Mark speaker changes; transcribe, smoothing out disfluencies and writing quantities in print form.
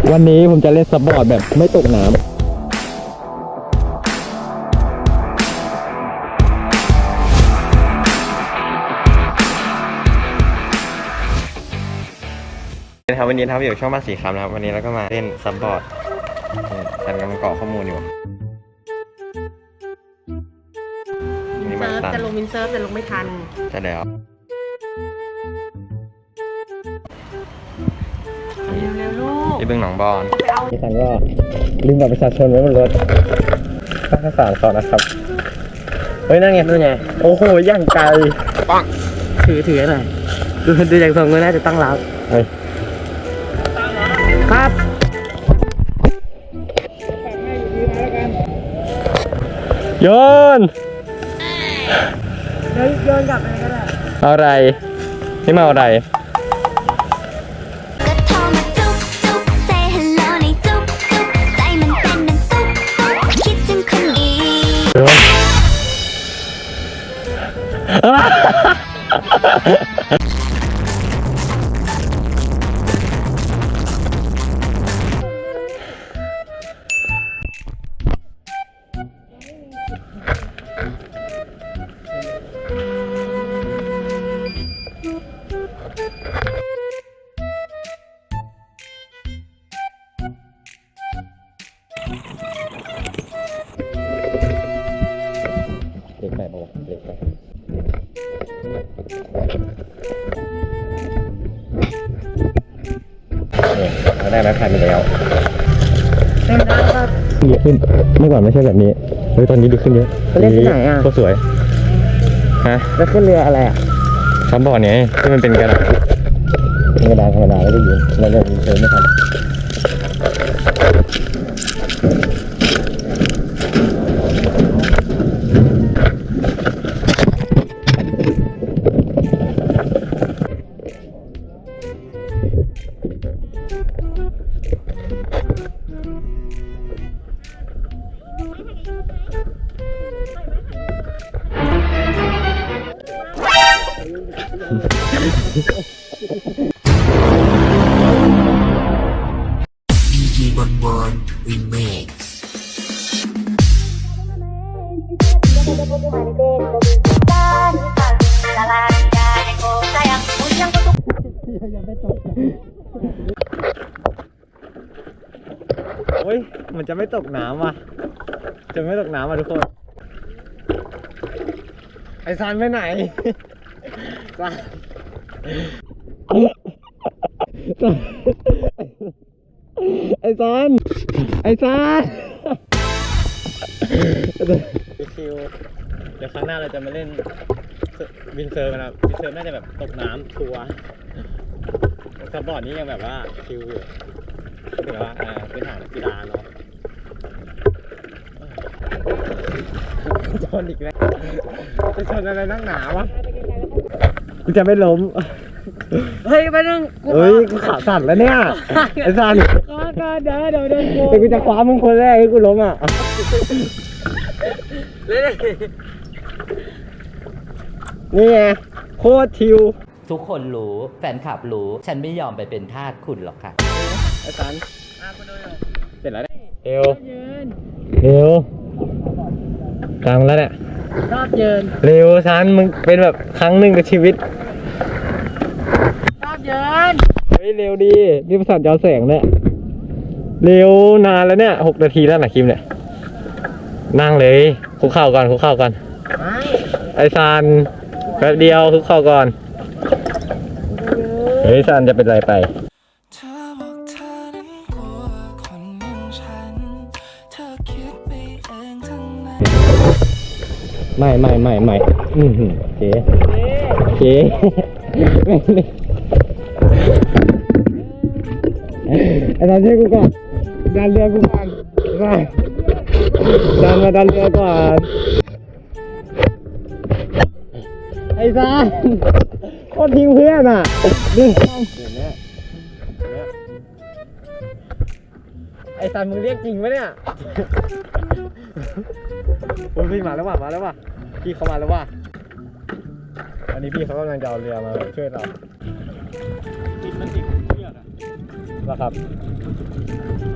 Speaker 1: วันนี้ผมจะเล่นซับบอร์ดแบบไม่ตกน้ำนะครับวันนี้นะครับอยู่ช่องบ้านสีคำนะครับวันนี้เราก็มาเล่นซับบอร์ดฉันกำลังกรอกข้อมูลอยู่
Speaker 2: จะลงวินเซิร์ฟแต่ลงไม่ทัน
Speaker 1: จะแล้ว
Speaker 2: เร็วๆลูก
Speaker 1: ที่บึงหนองบอนที่ฉันก็ลืมบัตรประชาชนไว้บนรถข้าวสารสอดนะครับเฮ้ยนั่นไงนั่นไงโอ้โหย่างไกลปัง
Speaker 2: ถือหน่อยดูจากทรงก็น่าจะตั้งรับ
Speaker 1: เฮ้ย
Speaker 2: ครับ
Speaker 1: โยน
Speaker 2: โยนกลับไปก็ได้
Speaker 1: เอาอะไรนี่มาเอาอะไรเล็กไปบอกเล็กไปเราได้ไม้พายไปแล้ว
Speaker 2: เป็นได้ครับ
Speaker 1: เยอะขึ้นเมื่อก่อนไม่ใช่แบบนี้เฮ้ยตอนนี้ดีขึ้นเยอะ
Speaker 2: เล่นที่ไหนอ่ะ
Speaker 1: ก็สวยฮะ
Speaker 2: แล้วขึ้นเรืออะไรอ่ะ
Speaker 1: ซับบอร์ดไงที่มันเป็นกระดาษธรรมดาแล้วก็ยืนแล้วเราเดินไม่ทันโอ้ยมันจะไม่ตกน้ำว่ะจะไม่ตกน้ำว่ะทุกคนไอซานไปไหนซานไอซานคิวเดี๋ยวครั้งหน้าเราจะมาเล่นวินเซิร์ฟนะครับวินเซิร์ฟน่าจะแบบตกน้ำทัวร์ซับบอร์ดนี้ยังแบบว่าคิวอยู่ถือว่าพื้นฐานกีฬาเนาะชนอีกแล้วจะชนอะไรนั่งหนาวะกูจะไม่ล้ม
Speaker 2: เฮ้ยไปนึง
Speaker 1: กูขาสั่นแล้วเนี่ยไอ้สั่น
Speaker 2: ก็เดี๋ยว
Speaker 1: แต่กูจะคว้ามึงคนแรกให้กูล้มอ่ะนี่ไงโคตรชิว
Speaker 3: ทุกคนรู้แฟนคลับรู้ฉันไม่ยอมไปเป็นทาสคุณหรอกค่ะ
Speaker 1: ไอ้สันเสร็จแล้วเนี่ยเร็วกลางแล้วเนี่ย
Speaker 2: รอบยืน
Speaker 1: เร็วสันมึงเป็นแบบครั้งหนึ่งในชีวิต
Speaker 2: รอบยืน
Speaker 1: เฮ้ยเร็วดีนี่ประสาทย้อนแสงเนี่ยเร็วนานแล้วเนี่ย6 นาทีแล้วนะคิมเนี่ยนั่งเลยคุกเข่าก่อนไอ้ซันแป๊บเดียวคุกเข่าก่อนเฮ้ยซันจะเป็นไรไปไม่เจ๊ไอ้ซันช่วยกูก่อนดันเรือกูก่อนดันเรือก่อนไอ้ซันโคตรทิ้งเพื่อนอ่ะดูเนี่ยไอ้ซันมึงเรียกจริงปะเนี่ยโอ้ยพี่มาแล้วว่ะพี่เขามาแล้วว่ะอันนี้พี่เขากำลังจะเอาเรือมาช่วยเราติดมันติดเชือกอะนะครับ